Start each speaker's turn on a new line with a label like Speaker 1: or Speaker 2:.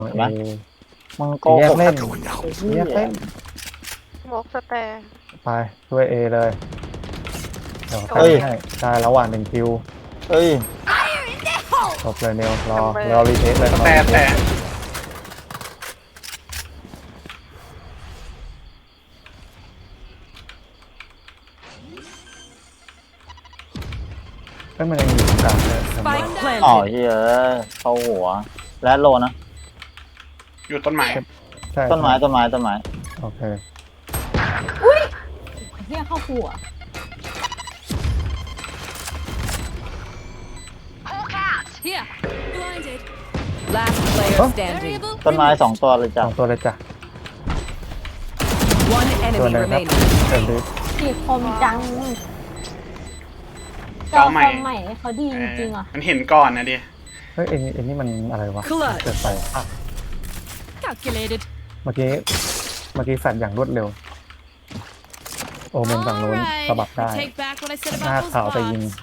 Speaker 1: เห็นไหม มึงโก
Speaker 2: แย
Speaker 1: ห
Speaker 2: ก
Speaker 1: ก
Speaker 2: เล่น
Speaker 1: ไอ้เหี้
Speaker 2: แยกเล่
Speaker 1: ย
Speaker 2: น
Speaker 3: สโมกสแตร์
Speaker 2: ไปช่วยเอเลยเดี๋ยว
Speaker 1: เฮ้ย
Speaker 2: ให้ได้ระหว่าง1 คิว
Speaker 1: เฮ้ย
Speaker 2: จบเลยเนวรอรีเทคเลย
Speaker 4: แต่
Speaker 2: เอ้ยมันยังอยู่ตรงกลางเลย
Speaker 5: Spike
Speaker 1: อ๋อ
Speaker 5: planted.
Speaker 1: เฮ้ยเข้าหัว และโลนะ
Speaker 4: อยู่ต้นไม้
Speaker 2: ใช่
Speaker 1: ต้นไม้ต้นไม้ต้นไม้
Speaker 2: โอเค
Speaker 6: เรียกเข้าหัว
Speaker 5: Here. Blinded. Last player standing.
Speaker 1: ต้นไม้2 ตัวเลย
Speaker 2: ส
Speaker 1: จ้ะ
Speaker 2: องตัวเลยจ้ะ
Speaker 5: One
Speaker 2: ตัว
Speaker 5: enemy
Speaker 2: หนึงครับ
Speaker 5: remaining.
Speaker 2: เติมดิ
Speaker 6: สีคมจังจอคอมใหม่เขาดีจริงๆอ่ะ
Speaker 4: มันเห็นก่อนนะดิ
Speaker 2: เฮ้ยเอ็นนี่มันอะไรวะ
Speaker 5: Clutch
Speaker 2: เกิดไปอ่ะ
Speaker 5: Calculated.
Speaker 2: เมื่อกี้แฟดอย่างรวดเร็ว โอเมนฝั่งนู้นสะบัดได้
Speaker 5: I take back what I said
Speaker 2: หน้า
Speaker 5: about those
Speaker 2: ขาวไปยิง
Speaker 5: bots.